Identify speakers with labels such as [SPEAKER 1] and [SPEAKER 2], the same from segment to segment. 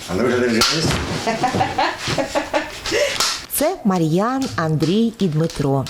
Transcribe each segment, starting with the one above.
[SPEAKER 1] Андрюша, держись.
[SPEAKER 2] Це Мар'ян, Андрій і Дмитро.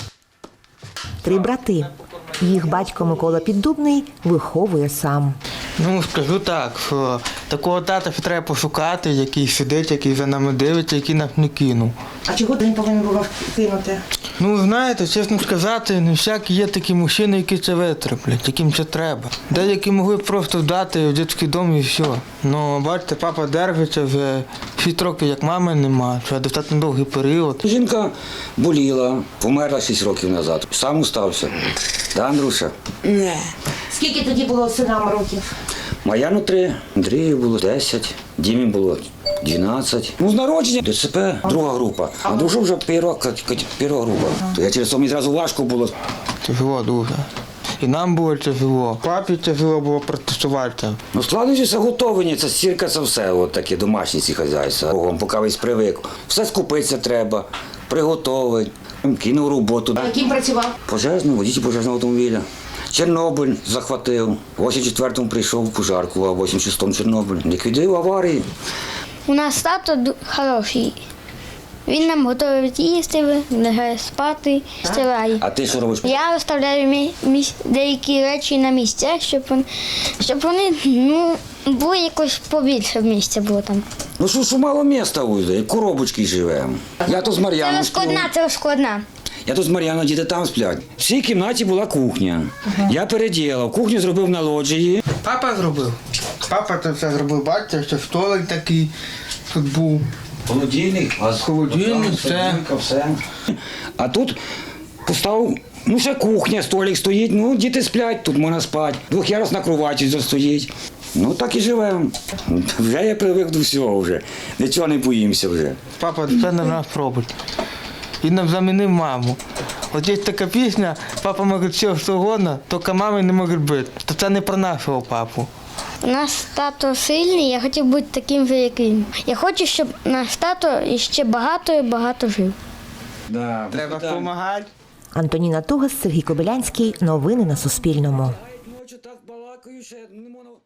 [SPEAKER 2] 3 брати. Їх батько Микола Піддубний виховує сам.
[SPEAKER 3] Ну, скажу так, що такого тата треба пошукати, який сидить, який за нами дивиться, який нас не кинув.
[SPEAKER 2] А чого ти не повинен був кинути?
[SPEAKER 3] Ну, знаєте, чесно сказати, не всякі є такі мужчини, які це витреплять, яким це треба. Деякі могли б просто вдати в дитячий дом і все. Ну, бачите, папа держиться вже 6 років, як мами нема, це достатньо довгий період.
[SPEAKER 4] Жінка боліла, померла 6 років назад. Сам устався. Да, Андрюша?
[SPEAKER 5] Не.
[SPEAKER 2] Скільки тоді було синам років?
[SPEAKER 4] Мар'яну 3, Андрію було 10, Дімі було 12. Ну, з народження ДЦП, друга група. А Андрюшу вже перша група. То я через то мені зразу важко було.
[SPEAKER 3] Тяжело дуже. І нам було тяжело. Папі тяжело було протестувати.
[SPEAKER 4] Ну, складнощі готовлення, це стірка, це все, от такі домашні ці хазяйства. Богом, поки весь привик. Все скупитися треба, приготовити, кинув роботу.
[SPEAKER 2] Яким працював?
[SPEAKER 4] Пожежний, водій пожежного автомобіля. Чорнобиль захватив. В 84-му прийшов в пожарку, а в 86-му Чорнобиль. Ліквідив аварії.
[SPEAKER 6] У нас тато хороший. Він нам готує їсти, лягає спати, стирає.
[SPEAKER 4] А ти що робиш?
[SPEAKER 6] Я розставляю деякі речі на місця, щоб вони були якось побільше місця було там.
[SPEAKER 4] Ну що мало міста уйде, як коробочки живемо. Я то з Мар'яном сплю.
[SPEAKER 6] Це розкладна.
[SPEAKER 4] Я тут з Мар'яном, діти там сплять. В цій кімнаті була кухня. Я переділав. Кухню зробив на лоджії.
[SPEAKER 3] Папа зробив. Папа це все зробив, бачите, що столик такий тут був.
[SPEAKER 4] Холодильник,
[SPEAKER 3] Холодильник,
[SPEAKER 4] все. А тут поставив, ще кухня, столик стоїть, діти сплять, тут можна спати. Двох'ярусна кровать стоїть. Ну так і живемо. Вже я привик до всього вже. Нічого не боїмося вже.
[SPEAKER 3] Папа це на нас робить. Він нам замінив маму. От є така пісня, папа може все, що угодно, тільки мами не можуть бити. То це не про нашого папу.
[SPEAKER 6] У нас тато сильний, я хотів бути таким же, як він. Я хочу, щоб наш тато іще багато і багато жив.
[SPEAKER 4] Да,
[SPEAKER 3] Треба допомагати.
[SPEAKER 2] Антоніна Тугас, Сергій Кобилянський. Новини на Суспільному.
[SPEAKER 4] Ночі так балакаю, ще не можна.